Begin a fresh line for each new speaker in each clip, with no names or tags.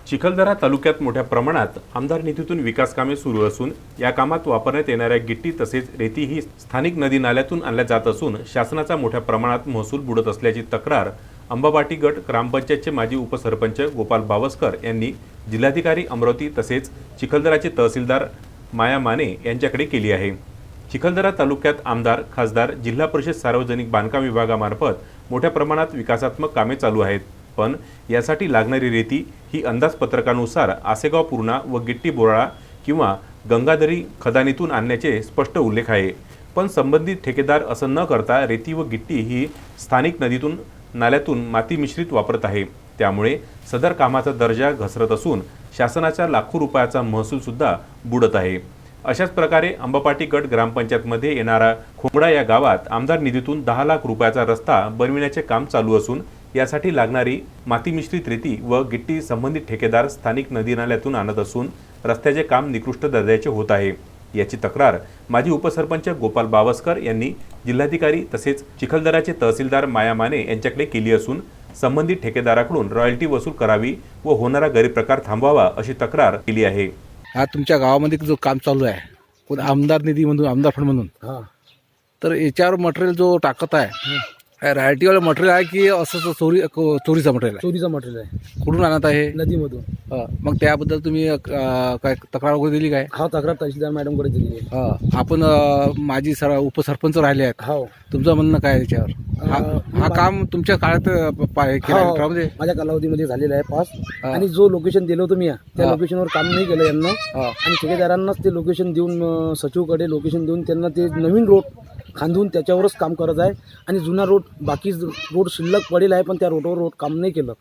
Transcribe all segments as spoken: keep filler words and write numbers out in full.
चिखलदरा तालुक्यात मोठ्या प्रमाणात आमदार निधीतून विकास कामे सुरू असून या कामात वापरण्यात येणाऱ्या गिट्टी तसेच रेती ही स्थानिक नदी नाल्यातून आणल्या जात असून शासनाचा मोठ्या प्रमाणात महसूल बुडत असल्याची तक्रार अंबाबाटी गट ग्रामपंचायतचे माजी उपसरपंच गोपाल बावस्कर यांनी जिल्हाधिकारी अमरावती तसेच चिखलदराचे तहसीलदार माया माने यांच्याकडे केली आहे। चिखलदरा तालुक्यात आमदार खासदार जिल्हा परिषद सार्वजनिक बांधकाम विभागामार्फत मोठ्या प्रमाणात विकासात्मक कामे चालू आहेत, पण यासाठी लागणारी रेती ही अंदाजपत्रकानुसार आसेगाव पूर्णा व गिट्टी बोराळा किंवा गंगाधरी खदानीतून आणण्याचे स्पष्ट उल्लेख आहे। पण संबंधित ठेकेदार असं न करता रेती व गिट्टी ही स्थानिक नदीतून नाल्यातून माती मिश्रित वापरत आहे। त्यामुळे सदर कामाचा दर्जा घसरत असून शासनाच्या लाखो रुपयाचा महसूल सुद्धा बुडत आहे। अशाच प्रकारे अंबापाटी गट ग्रामपंचायतमध्ये येणारा खोमडा या गावात आमदार निधीतून दहा लाख रुपयाचा रस्ता बनविण्याचे काम चालू असून यासाठी लागणारी माती मिश्रित रेती व गिट्टी संबंधित ठेकेदार स्थानिक नदी नाल्यातून आणत असून रस्त्याचे काम निकृष्ट दर्जाचे होत आहे। याची तक्रार माजी उपसरपंच गोपाल बावस्कर यांनी जिल्हाधिकारी तसेच चिखलदराचे तहसीलदार माया माने यांच्याकडे केली असून संबंधित ठेकेदाराकडून रॉयल्टी वसूल करावी व होणारा गैरप्रकार थांबवावा अशी तक्रार केली आहे।
हा तुमच्या गावामध्ये जो काम चालू आहे कोण आमदार निधी म्हणून आमदार फंड म्हणून
हां
तर याच्यावर मटेरियल जो टाकत आहे रायल्टीवाला मटेरियल आहे की असं चोरी चोरीचं मटेरियल आहे?
चोरीचं मटेरियल आहे,
कुठून आणत आहे?
नदीमधून।
हा, मग त्याबद्दल तुम्ही अ, काय तक्रार वगैरे दिली काय?
हा तक्रार तहसीलदार मॅडमकडे दिली आहे।
हा, आपण अ, माजी सर उपसरपंच राहिले आहेत,
हो
तुमचं म्हणणं काय आहे त्याच्यावर? हा
अ,
हा काम तुमच्या काळात अ, पा- हे केलं आहे
हो,
काळामध्ये?
माझ्या कालावधीमध्ये झालेलं आहे पास।
हा.
आणि जो लोकेशन दिलं होतं मी त्या
हा.
लोकेशनवर काम नाही केलं यांना
हा.
आणि ठेकेदारांनाच ते लोकेशन देऊन अ, सचिवकडे लोकेशन देऊन त्यांना ते नवीन रोड खांदून त्याच्यावरच काम करत आहे आणि जुना रोड बाकी रोड शिल्लक पडेल आहे पण त्या रोडवर रोड काम नाही केलं।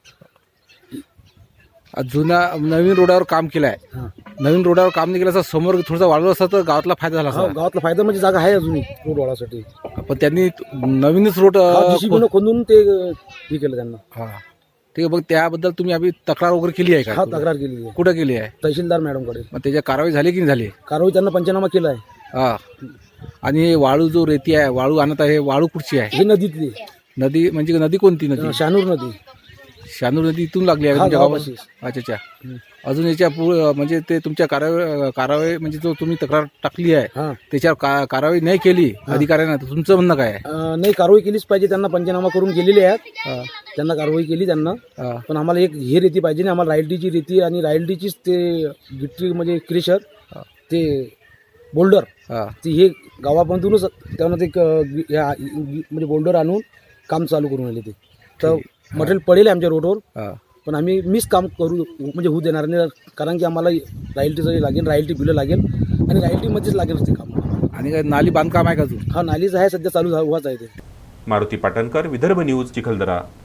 जुना नवीन रोडावर काम केलं आहे,
हां
नवीन रोडावर काम नाही केलं असं समोर थोडंसं वाढलं असतं तर गावातला फायदा झाला
हा,
असता।
गावातला फायदा म्हणजे जागा आहे अजूनही रोड वाढासाठी।
पण त्यांनी नवीनच रोड अ,
जीसीबीनं खोदून ते अ, हे केलं त्यांना।
हा ठीक आहे, मग त्याबद्दल तुम्ही आम्ही तक्रार वगैरे केली आहे
हा
का?
तक्रार केली आहे
कुठं केली आहे?
तहसीलदार मॅडमकडे।
मग त्याच्या कारवाई झाली की नाही झाली?
कारवाई त्यांना पंचनामा केला आहे।
हा, आणि वाळू जो रेती आहे वाळू आणत आहे वाळू कुठची आहे?
हे नदीतली
नदी म्हणजे नदी कोणती नदी?
शहानूर नदी।
शानूर नदी इथून लागली आहे
हा,
तुमच्या गावात?
गावापाशीच.
अच्छा अच्छा। अजून याच्या पुढे म्हणजे ते तुमच्या कारवाई कारवाई म्हणजे जो तुम्ही तक्रार टाकली आहे
हा
त्याच्यावर का कारवाई नाही केली अधिकाऱ्यांना तर तुमचं म्हणणं काय आहे?
अ, नाही कारवाई केलीच पाहिजे, त्यांना पंचनामा करून गेलेले आहेत,
हा,
त्यांना कारवाई केली त्यांना।
हा,
पण आम्हाला एक हे रेती पाहिजे ना, आम्हाला रायल्टीची रेती आणि रायल्टीचीच ते गिट्टी म्हणजे क्रेशर
हा.
ते बोल्डर
हा.
ते हे गावामधूनच त्यांना ते क- या- म्हणजे बोल्डर आणून काम चालू करून आले ते तर मटेरियल पडेल आहे आमच्या रोडवर
हा.
पण आम्ही मिस काम करू म्हणजे होऊ देणार नाही कारण की आम्हाला रायल्टीचं लागेल, रायल्टी बिलं लागेल आणि रायल्टीमध्येच लागेल ते काम।
आणि काय नाली बांधकाम आहे का अजून?
हा नालीच आहे सध्या चालू व्हायचं आहे ते।
मारुती पाटणकर, विदर्भ न्यूज, चिखलदरा।